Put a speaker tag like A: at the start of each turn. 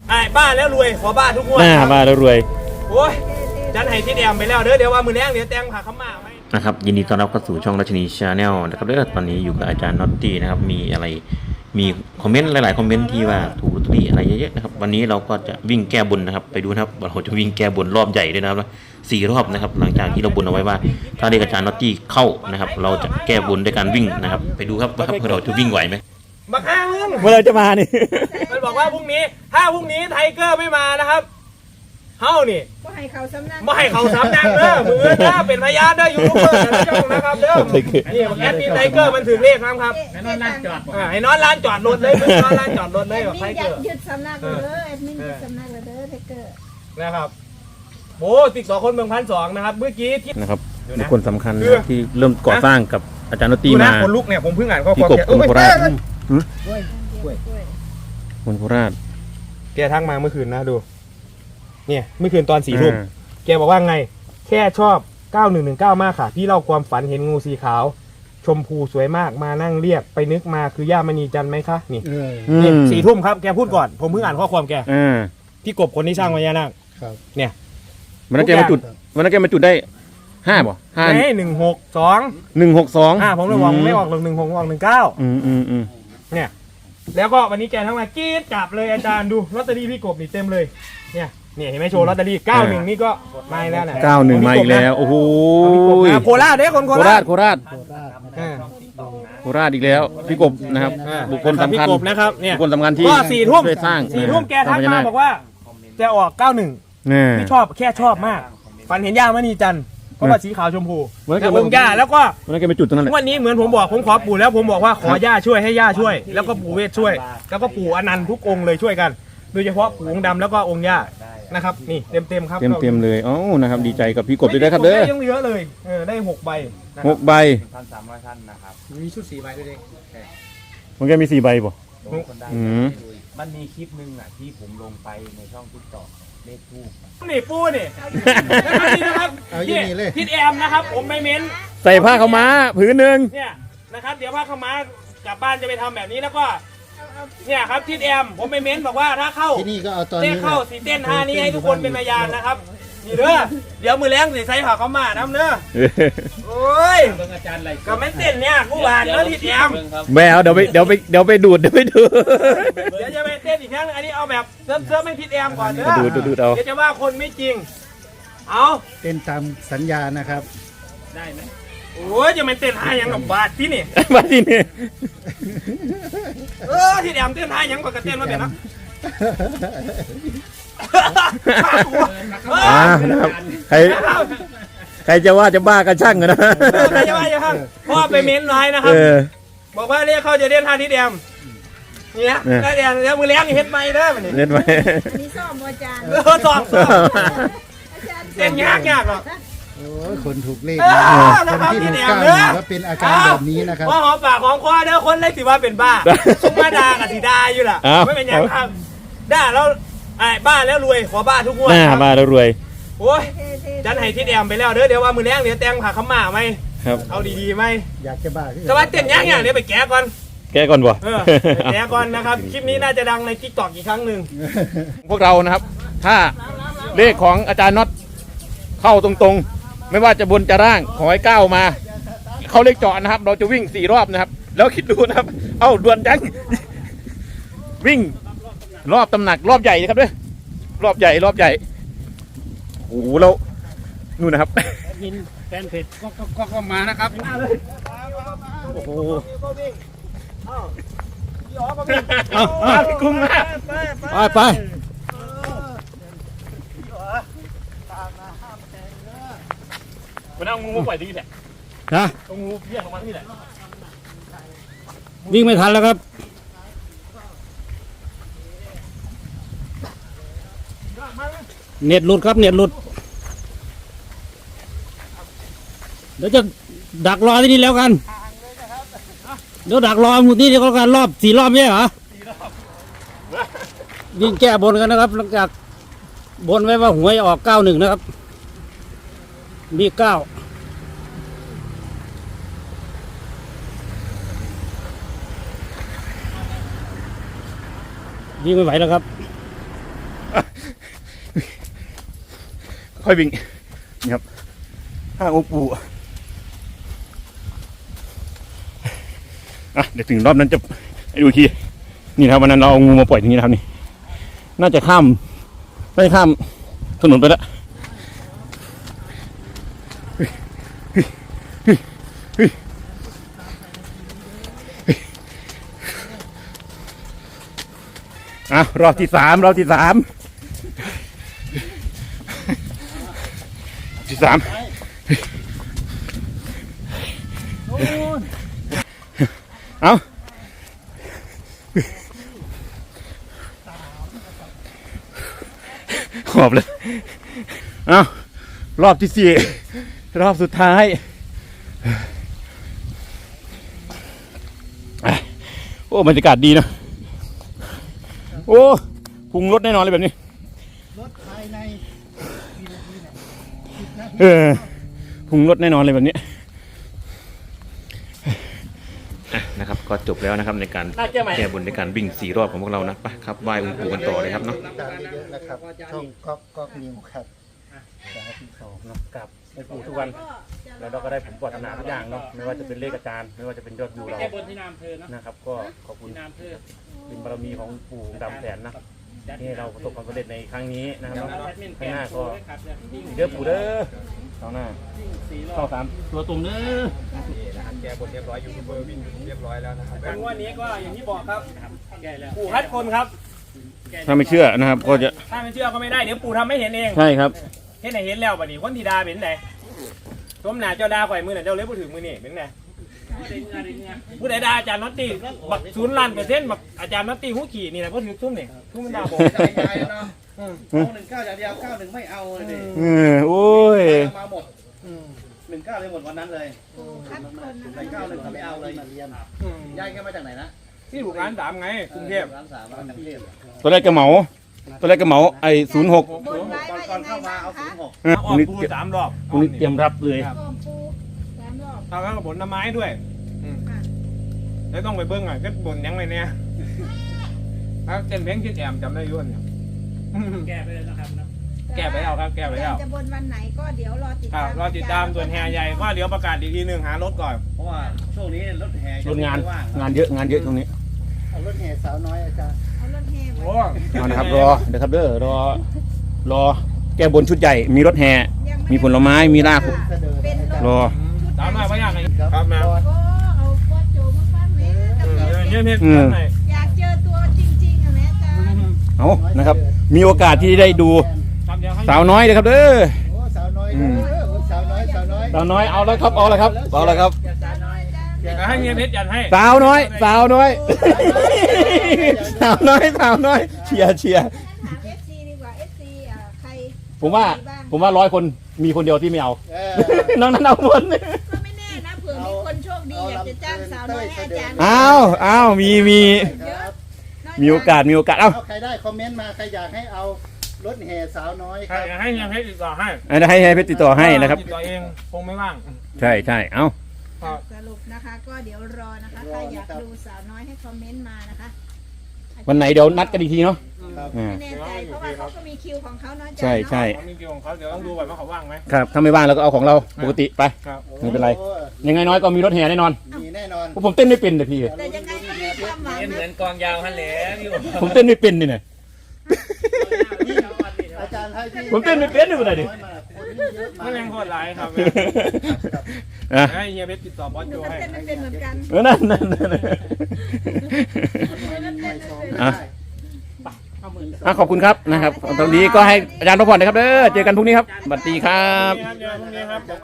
A: บ้าแล้วรวยขอบ้าทุกงวด
B: บ้าแล้วรวย
A: โอ้ยจันให้ที่แอมไปแล้วเดี๋ยวว่ามือแรงเดี๋ยวแตงผ่าขม่าไหม
B: นะครับยินดีต้อนรับเข้าสู่ช่องราชนีชาแนลนะครับตอนนี้อยู่กับอาจารย์น็อตตี้นะครับมีอะไรมีคอมเมนต์หลายๆคอมเมนต์ที่ว่าถูกลอตเตอรี่อะไรเยอะๆนะครับวันนี้เราก็จะวิ่งแก้บนนะครับไปดูนะครับเราจะวิ่งแก้บนรอบใหญ่ด้วยนะครับ4 รอบนะครับหลังจากที่เราบนเอาไว้ว่าถ้าเลขอาจารย์น็อตตี้เข้านะครับเราจะแก้บนด้วยการวิ่งนะครับไปดูครับว่าเราจะวิ่งไหวไหม
A: บักอ้างเ
B: มื่อเราจะมานี่
A: มันบอกว่าพรุ่งนี้ถ้าพรุ่งนี้ไทเกอร์ไม่มานะครับเฮ้านี่
C: ไม่ให้เขาสำนัก
A: เด้อมือถ้าเป็นพยานได้ยูทูบเบอร์นะจ้องนะครับเด้อนี่แอดมินไทเกอร์มันถึงเลขครับ
D: ให้นอนร้านจอด
A: ให้นอนร้านจอดรถเลยนอนร้านจอดรถเลยแบบไทเกอร์
C: ยึดสำนักเลยแอดมินยึดสำนักเลยเด้อไทเกอร์
A: นะครับโอ้ติด2 คนเมือง1,200นะครับเมื่อกี้ที่
B: นะครับบุคคลสำคัญที่เริ่มก่อสร้างกับอาจารย์น็อตตี้มา
A: คนลุกเนี่ยผมเพิ่งอ่านข้อ
B: ความแกคนโคราชคนโคราช
A: แกทักมาเมื่อคืนนะดูเนี่ยเมื่อคืนตอน4 ทุ่มแกบอกว่าไงแค่ชอบ9119มากค่ะพี่เล่าความฝันเห็นงูสีขาวชมพูสวยมากมานั่งเรียกไปนึกมาคือย่ามณีจันไหมคะนี่4 ทุ่มครับแกพูดก่อนผมเพิ่งอ่านข้อความแกพี่กบคนที่สร้างพญานาคเนี่ย
B: วันนั้นแกมาจุดได้5บ่5
A: 162ผมเลยบอกไม่ออกหรอก16ออก19เนี่ยแล้วก็วันนี้แกทั้งมากรี๊ดจับเลยอาจารย์ดูลอตเตอรี่พี่กบนี่เต็มเลยเนี่ยเห็นไหมโชว์ลอตเตอรี่91นี่ก็มาแล้วนะ
B: 91มาอีกแล้วโอ้โห
A: โคราชเด้คนโคราช
B: โคราชอีกแล้วพี่กบนะครับบุคคลสำคัญ
A: นะครับเนี่ย
B: บุคคลสำคัญที่
A: ก็4 ทุ่ม
B: สร้าง
A: 4 ทุ่มแกทักมาบอกว่าจะออก91พี่ชอบแค่ชอบมากฝันเห็นย่ามณีจันทร์เพราะว่าสีขาวชมพูแล้วองค์ย่าแล้วก็
B: วันนั้นแกไปจุดตรงนั้นแหละ
A: วันนี้เหมือนผมบอกผมขอปู่แล้วผมบอกว่าขอย่าช่วยให้ย่าช่วยแล้วก็ปู่เวทช่วยแล้วก็ปู่อนันต์ทุกองค์เลยช่วยกันโดยเฉพาะปู่องค์ดำแล้วก็องค์ย่านะครับนี่เต็มครับ
B: เต็มเลยอ๋อนะครับดีใจกับพี่กบด้วยครับเด้อ
A: ยังเยอะเลยได้6 ใบ
B: 6 ใบ
D: 1,300 ท่านนะครับ
A: มีชุด4 ใบด้วยเด็ก
B: มันแกมี4 ใบป่ะ
D: มันมีคลิปนึงที่ผมลงไปในช่องติ๊กต็อกเลขทูบ
A: นี่ปูนี่นะครับทิดแอมนะครับผมไม่เม้น
B: ใส่ผ้าขาวม้าผืนหนึ่ง
A: เนี่ยนะครับเดี๋ยวผ้าขาวม้ากลับบ้านจะไปทำแบบนี้แล้วก็เนี่ยครับทิดแอมผมไม่เม้นบอกว่าถ้าเข้า
E: ที่นี่ก็เอาตอนนี้
A: เข้าสีเต้น5นี้ให้ทุกคนเป็นพยานนะครับนี่เด้อเดี๋ยวมือแรงใส่ผ้าขาวม้าน้ำเด้อโอ้ยก็ไม่เต้นเนี่ยกูบานแล้วทิดแอม
B: แมวเดี๋ยวไปดูดเดี๋ยว
A: จะไปเต้นอีกครั้งอันนี้เอาแบบเซิร์ฟไม่ทิดแอมก่อนเด้อ
B: ดูเอา
A: เดี๋ยวจะว่าคนไม่จริงเอา
E: เต้นตามสัญญานะครับ
A: ได้ไหมโอ้ยจะเป็นเต้นท่ายังกับบาทที่นี่ที่แอมเต้นท่ายังกับเต้นมาเป็นนะ
B: ใครจะว่าจะบ้ากันช่างกันนะ
A: ใครจะว่าจะช่างพ่อไปเม้นไว้นะครับบอกว่าเรียกเขาจะเต้นท่าที่แอมเนี่ยแล้วเดี๋ยวมือเลี้ยงเฮ็ดไม่ได้มันนี่
B: เฮ็ดไม่
C: มีซ่อมอาจารย์
A: ซ่อมเต้นยากหรอก
E: โอ้ยคนถูกเลขคนที่ถูกก้าวว่าเป็นอาการแบบนี้นะครับ
A: ว่าหอมปากหอมคอเด้อคนเลยสิว่าเป็นบ้าสมมาดากับสีดาอยู่ล่ะไม่เป็นอย่างครับด่าแล้วบ้าแล้วรวยขอบ้าทุกงวด
B: บ้าแล้วรวย
A: โอ้ยจันให้ทิดแอมไปแล้วเด้อเดี๋ยวว่ามือแรงเดี๋ยวแตงผ่าขม่าไหมเอาดีๆไหม
E: อยากจะบ้า
A: แต่ว่าเต้นยากเดี๋ยวไปแก้ก่อน
B: บ่
A: แก้ก่อนนะครับคลิปนี้น่าจะดังในทิกตอกอีกครั้งหนึ่ง
B: พวกเรานะครับถ้าเลขของอาจารย์น็อตเข้าตรงๆไม่ว่าจะบนจะร่างขอให้ก้าวมาเขาเลขเจาะนะครับเราจะวิ่ง4 รอบนะครับแล้วคิดดูนะครับเอ้าด่วนจังวิ่งรอบตำหนักรอบใหญ่นะครับด้วยรอบใหญ่โอ้โหเรานู่นนะครับ
D: แฟนเพจก็มานะครับ
B: โอ้โห
A: พี่กุ้งมา
B: ไป
A: มันเอางูปล่อยที่แหละเอางูเพี้ยของมันที่แหละ
B: วิ่งไม่ทันแล้วครับเน็ตหลุดครับเน็ตหลุดเดี๋ยวจะดักรอที่นี่แล้วกันเดี๋ยวดักรอหมดนี่เดี๋ยวกันรอบ4 รอบใช่เหรอวิ่งแก้บนกันนะครับหลังจากบนไว้ว่าหวยออก91นะครับมี9วิ่งไม่ไหวแล้วครับค่อยวิ่งนี่ครับห้างองค์ปู่อ่ะเดี๋ยวถึงรอบนั้นจะให้ดูอีกทีนี่นะครับวันนั้นเราเอางูมาปล่อยตรงนี้นะครับนี่น่าจะข้ามถนนไปแล้วอ่ะรอบที่สามเอาขอบเลยเอารอบที่สี่รอบสุดท้ายโอ้บรรยากาศดีนะโอ้พุงรถแน่นอนเลยแบบนี้
E: รถภายใน
B: พุงรถแน่นอนเลยแบบนี้นะครับก็จบแล้วนะครับในการแก้บนในการวิ่ง4 รอบของพวกเรานะไปครับไหว้องค์ปู่กันต่อเลยครับเนาะ
E: ตามเยอะๆนะครับช่องก๊อกนิวครับสาธุสองเนาะ
A: กับไอ้ปู่ทุกวันแล้วเราก็ได้ผมปรารถนาทุกอย่างเนาะไม่ว่าจะเป็นเลขอาจารย์ไม่ว่าจะเป็นยอดวิวเรา
D: แก้บนที่นามเธอเนาะ
A: นะครับก็ขอบคุณ
D: นามเธอ
A: บุญบารมีของปู่ดำแสนนะที่เราประสบความสำเร็จในครั้งนี้นะครับข้างหน้าก็เด้อปู่เด้อข้างหน้าเข้า3ตัวตรงเด้อแกบนเรียบร้อยยูทูบเบอร์วิ่งเรียบร้อยแล้วนะครับงวดนี้ก็อย่างที่บอกครับปู่คัดคนครับ
B: ถ้าไม่เชื่อนะครับก็จะ
A: ถ้าไม่เชื่อก็ไม่ได้เดี๋ยวปู่ทำไม่เห็นเอง
B: ใช่ครับ
A: เห็นไหนเห็นแล้วบัดนี้คนที่ดาเป็นไหนสมหนาเจ้าดาข่อยมือหน่ะเจ้าเล็บผู้ถึงมือนี่เป็นไงผู้ใดดาอาจารย์น็อตตี้บัก0%บักอาจารย์น็อตตี้หูขี่นี่แหละผู้ถือทุ่มนี่ทุ่มมันดาผม
F: ใจเนาะเอา19อย่างเดียว91ไม่เอาเลยดิ
B: โอ้ย
F: มาหมด19เลยหมดวันนั้นเลย
C: คัดคนนะ
F: แต่91เขาไม่เอาเลยย้ายแค่มาจากไหนนะ
A: ที่ถูกร้าน3ไงกรุงเทพ
F: ร้าน3ร้านกรุงเทพ
B: ตัวแรกกระเหมาไอ้06
C: บนไว้
F: ก่
C: ว่า
F: อน
C: ยังไง
F: เข้ามา
C: บ้าง
F: เอา
C: คะ
F: 06
A: ออกปู3 รอบ
B: พรุ่งนี้เตรียมรับเลย
C: โอมปู3 รอบ
A: เอาแล้วก็บนน้ำไม้ด้วยแล้วต้องไปเบิ้งอ่ะก็บนยังไงเนี่ยถ้าเต้นเพลงคิดแอมจำได้ยุ่นเนี่ย
D: แก้ไปเลยนะครับนะ
A: แก้ไปแล้วครับแก้ไปแล้ว
C: จะบนวันไหนก็เดี๋ยวรอติด
A: ครั
C: ตา
A: บ
C: ม
A: รอติดตามส่วนแห่ใหญ่ก็เดี๋ยวประกาศอีกทีหนึ่งหารถก่อน
F: เพราะว่าช่วงนี้รถแห่
B: รถงาน
F: ว่าง
B: งานเยอะตรงนี้
E: เอารถแห่สาวน้อยอาจารย์
C: เอารถแห่ไป
A: โอ้
B: เอานะครับรอเดี๋ยวครับรอแก้บนชุดใหญ่มีรถแห่มีผลไม้มีลาบ
C: เป็นรถ
B: รอ
A: ตามมาพยายามครับมา
C: ก็เอาโคตรโจมาฟังแม่กับ
A: เนี่ย
C: อยากเจอตัวจริงๆอ่ะแม่จ้า
B: เอานะครับ มีโอกาสที่ได้ดู
A: ทำเดียวให้
B: สาวน้อยเลยครับเด้อ
E: โอ้สาวน้อยเด้อสาวน้อย
B: สาวน้อยเอาแล้วครับเอาแล้วครับ
C: สาวน้อยจ้า
A: ให้เมียเพชรยันให้
B: สาวน้อยสาวน้อยเชียร์
C: ถาม FC ดีกว่า FC ใคร
B: ผมว่า100 คนมีคนเดียวที่ไม่เอา
E: เออ
B: น้องนั้นเอาหมด
C: ก็ไม่แน่นะเผื่อมีคนโชคดีอยากจะจ้างสาวน้อยให้อาจารย์
B: อ้าวมี
E: ครับ
B: มีโอกาสเอ้า
E: เอาใครได้คอมเมนต์มาใครอยากให้เอารถแห่สาวน้อยครับ
A: ให้เมียเพชรติดต่อให้
B: ให้เพชรติดต่อให้นะครับ
A: ติดต่อเองคงไม่ว่าง
B: ใช่เอ้า
C: สรุปนะคะก็เดี๋ยวรอนะคะใครอยากดูสาวน้อยให้คอมเมนต์มานะคะ
B: วันไหนเดี๋ยวนัดกันอีกทีเนาะ
E: ครับ
B: อ่า
C: ไม่แน่ใจเพราะว่าเขาก็มีคิวของเขาเนาะอาจารย์
B: ใช่
A: เขามีคิวของเขาเดี๋ยวต้องดูก่อนว่าเขาว่างไหม
B: ครับถ้าไม่ว่างเราก็เอาของเราปกติไป
A: ครับ
B: ไม่เป็นไร
E: โอ้
B: ยังไงน้อยก็มีรถแห่แน่นอน
E: มีแน่นอน
B: เพราะผมเต้นไม่เป็นเลยพี่
C: แต่ยังไงก็มีความหวัง
D: เหมือ
C: นะ
D: นกองยาวฮันแหละพี่
B: ผมเต้นไม่เป็นนี่นะ
E: อาจารย์ให้ที่
B: ผมเต้นไม่เป็นนี่เป็นไรดิ
E: คนนี่เยอะมา
A: ไม่แรงโคตรหลายครับ
B: อ่ะ
A: ให้เฮียเพชรติดต่อบอส
C: ห
A: โจ
C: นูก็
A: ให้
C: เต้นไม่เป็นเหมือนกัน
B: นั่น
C: หนูก็เต้นไม่เป็น
B: อ่ะขอบคุณครับนะครับตอนนี้ก็ให้อาจารย์พักผ่อนนะครับเด้อเจอกันพรุ่งนี้ครับสวัสดีครับ
A: พรุ่งนี้ครับ